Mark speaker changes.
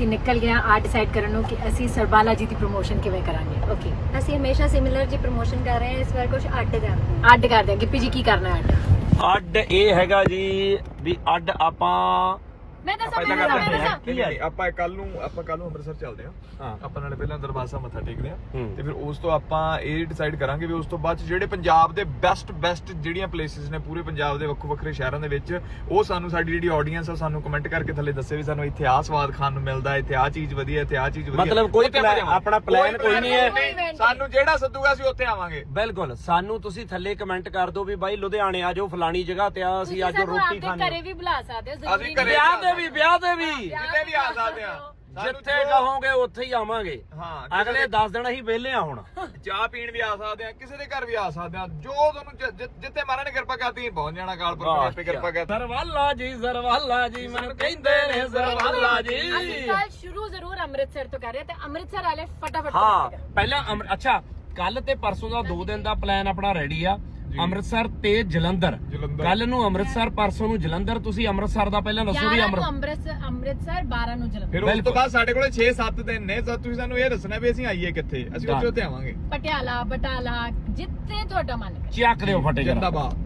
Speaker 1: ਅਸੀਂ ਨਿਕਲ ਗਏ ਆ ਡਿਸਾਈਡ ਕਰਨ ਨੂੰ ਕਿ ਅਸੀਂ ਸਰਬਾਲਾ ਜੀ ਦੀ ਪ੍ਰੋਮੋਸ਼ਨ ਕਿਵੇਂ ਕਰਾਂਗੇ। ਓਕੇ,
Speaker 2: ਅਸੀਂ ਹਮੇਸ਼ਾ ਸਿਮਿਲਰ ਜੀ ਪ੍ਰੋਮੋਸ਼ਨ ਕਰ ਰਹੇ ਹਾਂ, ਇਸ ਵਾਰ ਕੁਝ ਅੱਡ ਕਰਦੇ ਹਾਂ।
Speaker 1: ਅੱਡ ਕਰਦੇ ਆ। ਗਿੱਪੀ ਜੀ ਕੀ ਕਰਨਾ ਹੈ
Speaker 3: ਅੱਡ ਇਹ ਹੈਗਾ ਜੀ ਵੀ ਅੱਡ ਆਪਾਂ
Speaker 1: ਮੈਂ ਦੱਸਾਂ
Speaker 4: ਆਪਾਂ ਕੱਲ ਨੂੰ ਅੰਮ੍ਰਿਤਸਰ ਚੱਲਦੇ ਹਾਂ। ਆਪਾਂ ਨਾਲੇ ਪਹਿਲਾਂ ਦਰਬਾਰ ਸਾਹਿਬ ਮੱਥਾ ਟੇਕਦੇ ਹਾਂ ਤੇ ਫਿਰ ਉਸ ਤੋਂ ਆਪਾਂ ਇਹ ਡਿਸਾਈਡ ਕਰਾਂਗੇ ਵੀ ਉਸ ਤੋਂ ਬਾਅਦ ਜਿਹੜੇ ਪੰਜਾਬ ਦੇ ਬੈਸਟ ਜਿਹੜੀਆਂ ਪਲੇਸਿਸ ਨੇ ਪੂਰੇ ਪੰਜਾਬ ਦੇ ਵੱਖੋ ਵੱਖਰੇ ਸ਼ਹਿਰਾਂ ਦੇ ਵਿੱਚ, ਉਹ ਸਾਨੂੰ ਸਾਡੀ ਜਿਹੜੀ ਆਡੀਅנס ਆ ਸਾਨੂੰ ਕਮੈਂਟ ਕਰਕੇ ਥੱਲੇ ਦੱਸੇ ਵੀ ਸਾਨੂੰ ਇੱਥੇ ਆਹ ਸਵਾਦ ਖਾਣ ਨੂੰ ਮਿਲਦਾ, ਇੱਥੇ ਆਹ ਚੀਜ਼ ਵਧੀਆ, ਇੱਥੇ ਆਹ ਚੀਜ਼ ਵਧੀਆ।
Speaker 3: ਮਤਲਬ ਕੋਈ ਆਪਣਾ ਪਲਾਨ ਕੋਈ ਨਹੀਂ ਹੈ,
Speaker 4: ਸਾਨੂੰ ਜਿਹੜਾ ਸੱਦੂਗਾ ਅਸੀਂ ਉੱਥੇ ਆਵਾਂਗੇ।
Speaker 3: ਬਿਲਕੁਲ, ਸਾਨੂੰ ਤੁਸੀਂ ਥੱਲੇ ਕਮੈਂਟ ਕਰ ਦਿਓ ਵੀ ਬਾਈ ਲੁਧਿਆਣੇ ਆ ਜਾਓ, ਫਲਾਣੀ ਜਗ੍ਹਾ ਤੇ ਆ, ਅਸੀਂ ਅੱਜ ਰੋਟੀ ਖਾਣੀ।
Speaker 1: ਘਰੇ ਵੀ ਬੁਲਾ ਸਕਦੇ ਹੋ,
Speaker 4: ਅਸੀਂ ਘਰੇ
Speaker 3: ਵਿਆਹ ਤੇ ਵੀ
Speaker 4: ਕਿਤੇ ਵੀ ਆ ਸਕਦੇ ਆ,
Speaker 3: ਜਿੱਥੇ ਕਹੋਗੇ ਉੱਥੇ ਹੀ ਆਵਾਂਗੇ।
Speaker 4: ਹਾਂ,
Speaker 3: ਅਗਲੇ 10 ਦਿਨ ਅਸੀਂ ਵਿਹਲੇ ਆ। ਹੁਣ
Speaker 4: ਚਾਹ ਪੀਣ ਵੀ ਆ ਸਕਦੇ ਆ, ਕਿਸੇ ਦੇ ਘਰ ਵੀ ਆ ਸਕਦੇ ਆ, ਜੋ ਤੁਹਾਨੂੰ ਜਿੱਥੇ ਮਹਾਰਾਜ ਨੇ ਕਿਰਪਾ ਕਰਤੀ ਪਹੁੰਚ ਜਾਣਾ। ਕਾਲਪੁਰ ਆਪੇ ਕਿਰਪਾ ਕਰ।
Speaker 3: ਸਰਵਾਲਾ ਜੀ ਮੈਨੂੰ ਕਹਿੰਦੇ ਨੇ ਸਰਵਾਲਾ ਜੀ।
Speaker 1: ਅਸੀਂ ਕੱਲ ਸ਼ੁਰੂ ਜ਼ਰੂਰ ਅੰਮ੍ਰਿਤਸਰ ਤੋਂ ਕਰ ਰਹੇ ਤੇ ਅੰਮ੍ਰਿਤਸਰ ਵਾਲੇ ਫਟਾਫਟ
Speaker 3: ਹਾਂ, ਪਹਿਲਾਂ ਅੱਛਾ, ਕੱਲ ਤੇ ਪਰਸੋਂ ਦਾ 2 ਦਿਨ ਦਾ ਪਲਾਨ ਆਪਣਾ ਰੈਡੀ ਆ। ਅੰਮ੍ਰਿਤਸਰ ਤੇ ਜਲੰਧਰ, ਕੱਲ ਨੂੰ ਅੰਮ੍ਰਿਤਸਰ, ਪਰਸੋਂ ਨੂੰ ਜਲੰਧਰ। ਤੁਸੀਂ ਅੰਮ੍ਰਿਤਸਰ ਦਾ ਪਹਿਲਾਂ ਦੱਸੋ ਵੀ
Speaker 1: ਅੰਮ੍ਰਿਤਸਰ 12 ਨੂੰ ਜਲੰਧਰ।
Speaker 4: ਫਿਰ ਉਸ ਤੋਂ ਬਾਅਦ ਸਾਡੇ ਕੋਲੇ 6-7 ਦਿਨ ਨੇ, ਤੁਸੀਂ ਸਾਨੂੰ ਇਹ ਦੱਸਣਾ ਵੀ ਅਸੀਂ ਆਈਏ ਕਿੱਥੇ, ਅਸੀਂ ਉੱਥੇ ਆਵਾਂਗੇ।
Speaker 1: ਪਟਿਆਲਾ, ਬਟਾਲਾ, ਜਿੱਥੇ ਤੁਹਾਡਾ ਮਨ ਕਰੇ।
Speaker 3: ਚੱਕ ਦਿਓ ਫਟੇ
Speaker 4: ਜਿੰਦਾਬਾਦ।